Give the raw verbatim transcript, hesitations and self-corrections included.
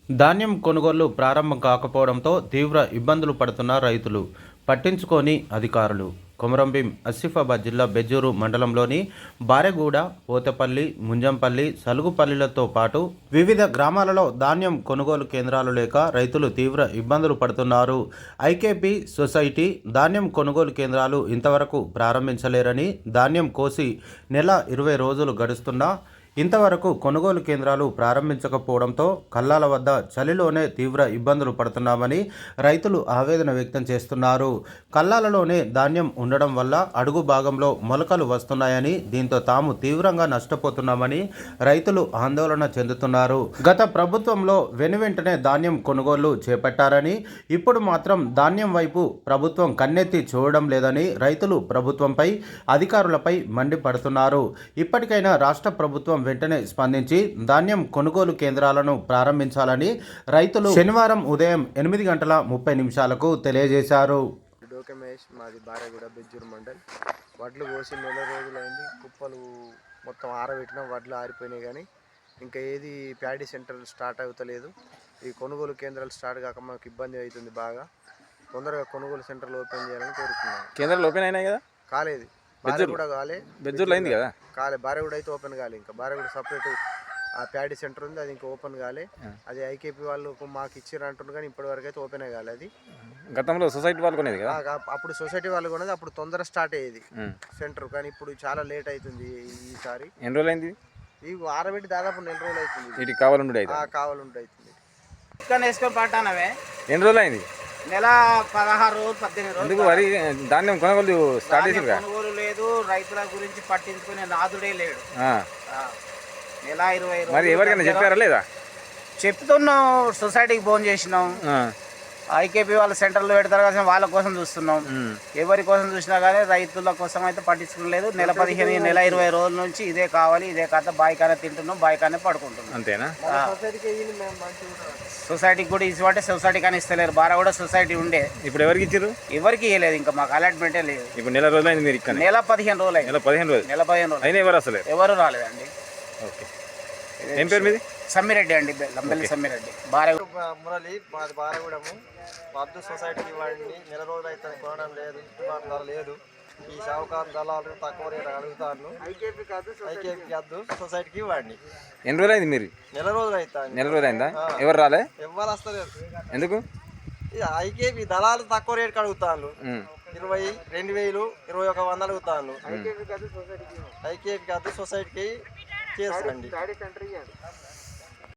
ధాన్యం కొనుగోళ్లు ప్రారంభం కాకపోవడంతో తీవ్ర ఇబ్బందులు పడుతున్న రైతులు పట్టించుకోని అధికారులు. కొమరంభీం ఆసిఫాబాద్ జిల్లా బెజ్జూరు మండలంలోని బారెగూడ, పోతపల్లి, ముంజంపల్లి, సలుగుపల్లిలతో పాటు వివిధ గ్రామాలలో ధాన్యం కొనుగోలు కేంద్రాలు లేక రైతులు తీవ్ర ఇబ్బందులు పడుతున్నారు. ఐకేపీ సొసైటీ ధాన్యం కొనుగోలు కేంద్రాలు ఇంతవరకు ప్రారంభించలేరని, ధాన్యం కోసి నెల ఇరవై రోజులు గడుస్తున్నా ఇంతవరకు కొనుగోలు కేంద్రాలు ప్రారంభించకపోవడంతో కల్లాల వద్ద చలిలోనే తీవ్ర ఇబ్బందులు పడుతున్నామని రైతులు ఆవేదన వ్యక్తం చేస్తున్నారు. కల్లాలలోనే ధాన్యం ఉండడం వల్ల అడుగు భాగంలో మొలకలు వస్తున్నాయని, దీంతో తాము తీవ్రంగా నష్టపోతున్నామని రైతులు ఆందోళన చెందుతున్నారు. గత ప్రభుత్వంలో వెనువెంటనే ధాన్యం కొనుగోళ్లు చేపట్టారని, ఇప్పుడు మాత్రం ధాన్యం వైపు ప్రభుత్వం కన్నెత్తి చూడడం లేదని రైతులు ప్రభుత్వంపై, అధికారులపై మండిపడుతున్నారు. ఇప్పటికైనా రాష్ట్ర ప్రభుత్వం వెంటనే స్పందించి ధాన్యం కొనుగోలు కేంద్రాలను ప్రారంభించాలని రైతులు శనివారం ఉదయం ఎనిమిది గంటల ముప్పై నిమిషాలకు తెలియజేశారు. డోకమేష్ మాది బారెగూడ బెజ్జూరు మండల్. వడ్లు కోసి నెల రోజులైంది. కుప్పలు మొత్తం ఆరబెట్టినా వడ్లు ఆరిపోయినాయి, కానీ ఇంకా ఏది ప్యాడీ సెంటర్ స్టార్ట్ అవుతలేదు. ఈ కొనుగోలు కేంద్రాలు స్టార్ట్ కాక మాకు ఇబ్బంది అవుతుంది బాగా. తొందరగా కొనుగోలు సెంటర్లు ఓపెన్ చేయాలని కోరుతున్నాను. కేంద్రాలు ఓపెన్ అయినాయి కదా? కాలేదు. బారెగూడ కాలే, బెజ్జూరులో అయింది కదా? కాలే. బారెగూడ అయితే ఓపెన్ కాలే. ఇంకా బారెగూడ సపరేట్ ఆ ప్యాడీ సెంటర్ ఉంది, అది ఇంకా ఓపెన్ కాలే. అది ఐకేపీ వాళ్ళు మాకు ఇచ్చారు అంటున్నారు, కానీ ఇప్పటి వరకు అయితే ఓపెన్ కాలే. అది గతంలో సొసైటీ వాళ్ళు కొనేది కదా? అప్పుడు సొసైటీ వాళ్ళు కొనేది, అప్పుడు తొందర స్టార్ట్ అయ్యేది సెంటర్, కానీ ఇప్పుడు చాలా లేట్ అవుతుంది ఈసారి. ఎన్ని రోజులు అయింది? ఈ ఆరబెట్టి దాదాపు నెల రోజులు అవుతుంది. ఇటు కావాలండి అయితే కావాలండి అవుతుంది. వేసుకొని పట్టానవే ఎన్ని రోజులు అయింది? నెల పదహారు రోజులు పద్దెనిమిది రోజులు. ఎందుకు వరి ధాన్యం కొనుగోలు స్టార్ట్ చేసి కొనుగోలు లేదు, రైతుల గురించి పట్టించుకునే నాదుడే లేడు. నెల ఇరవై మరి ఎవరికైనా చెప్పారా లేదా? చెప్తున్నాం, సొసైటీకి ఫోన్ చేసినాం, ఐకేపీ వాళ్ళ సెంటర్లో పెడతారు కదా, వాళ్ళ కోసం చూస్తున్నాం. ఎవరి కోసం చూసినా కానీ రైతుల కోసం అయితే పట్టించుకోలేదు. నెల పదిహేను నెల ఇరవై రోజుల నుంచి ఇదే కావాలి, ఇదే కథ, బాయికానే తింటున్నాం, బాయికానే పడుకుంటున్నాం. అంతేనా? సొసైటీకి కూడా ఇవ్వంటే సొసైటీ కానీ ఇస్తలేరు. బారా కూడా సొసైటీ ఉండే, ఇప్పుడు ఎవరికి ఇచ్చారు? ఎవరికి ఇవ్వలేదు, ఇంకా మాకు అలాట్మెంటే లేదు. ఇప్పుడు నెల రోజులు అయింది. మీరు ఇక్కడ నెల పదిహేను రోజులు అయింది. నెల పదిహేను రోజులు నెల పదిహేను రోజులు అయినా ఎవరు అసలు ఎవరు రాలేదండి. ఓకే. ఏం పేరు మీది? సమ్మిరెడ్డి అండి, లంబెల్లి సమ్మిరెడ్డి. బారా మురళి మాది బారెగూడము. వద్దు సొసైటీకి ఇవ్వండి, నెల రోజులు అయితే కొనడం లేదు, గిట్టుబాటు లేదు. ఈ షావుకారు దళాలు తక్కువ రేటు అడుగుతాను. ఐకేపీ కాదు, ఐకేపీ కాదు, సొసైటీకి ఇవ్వండి. ఎన్ని రోజులు అయింది మీరు? నెల రోజులు అవుతాను. నెల రోజులు అయిందా? ఎవరు రాలే? ఎవరు వస్తలేదు. ఎందుకు? ఐకేపీ దళాలు తక్కువ రేటుకి అడుగుతాను. ఇరవై రెండు వేలు ఇరవై ఒక వంద అడుగుతాను. ఐకేపీ కాదు, సొసైటీకి ఐకేపీ కాదు, సొసైటీకి చేసుకోండి.